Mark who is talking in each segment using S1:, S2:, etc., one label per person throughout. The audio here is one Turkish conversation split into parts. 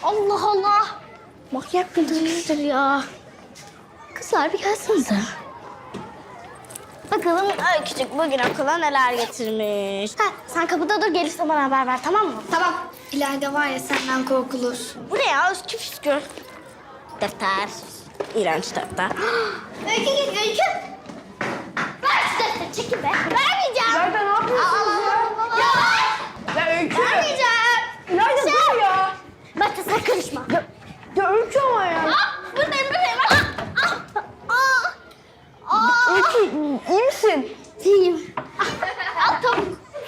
S1: Allah Allah. Manyak mıdır nedir ya? Kızlar bir gelsenize. Bakalım küçük bugün okula neler getirmiş. Ha, sen kapıda dur, gelirse bana haber ver, tamam mı?
S2: Tamam. İlayda var ya senden korkulur.
S1: Bu ne ya? Üskü püskü. Defter. İğrenç defter. Öykü git, Öykü. Ver şu defteri, çekil be. Vermeyeceğim.
S3: İlayda ne yapıyorsunuz ya? Ya Öykü.
S1: Vermeyeceğim.
S3: İlayda dur ya.
S1: Bak sen karışma.
S3: Ya Öykü ama ya.
S1: Buradayım.
S3: Öykü iyi misin?
S1: İyiyim. Al tavuk.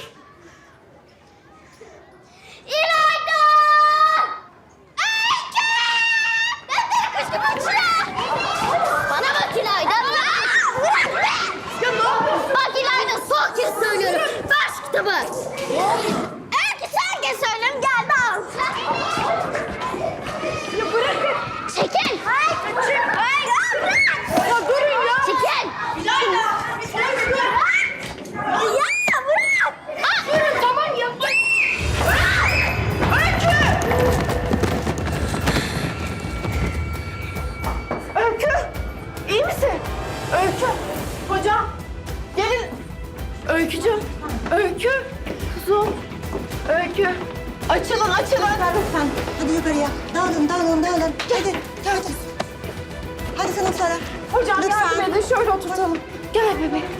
S1: İlayda! Öykü! Defteri kışkırtma şuna! Bana bak İlayda.
S3: Ya ne yapıyorsun?
S1: Bak İlayda, son kez söylüyorum. Ver şu kitabı. Öykü sen kez söylüyorum, gel de al.
S3: Ya bırakın.
S1: Çekil. Hayır. Hayır, bırak.
S3: Ya durun ya.
S1: Çekil.
S3: İlayda.
S1: Ya bırak.
S3: Durun tamam ya. Öykü. Öykü. İyi misin? Öykü. Hocam. Gelin. Öykücüğüm. Öykü. Kuzum. Öykü. Açılın.
S4: Lütfen. Hadi yukarıya. Dağılın. Hadi. Hadi sınıflara.
S3: Hocam
S4: Lütfen.
S3: yardım edin. Şöyle oturtalım. Gel bebeğim.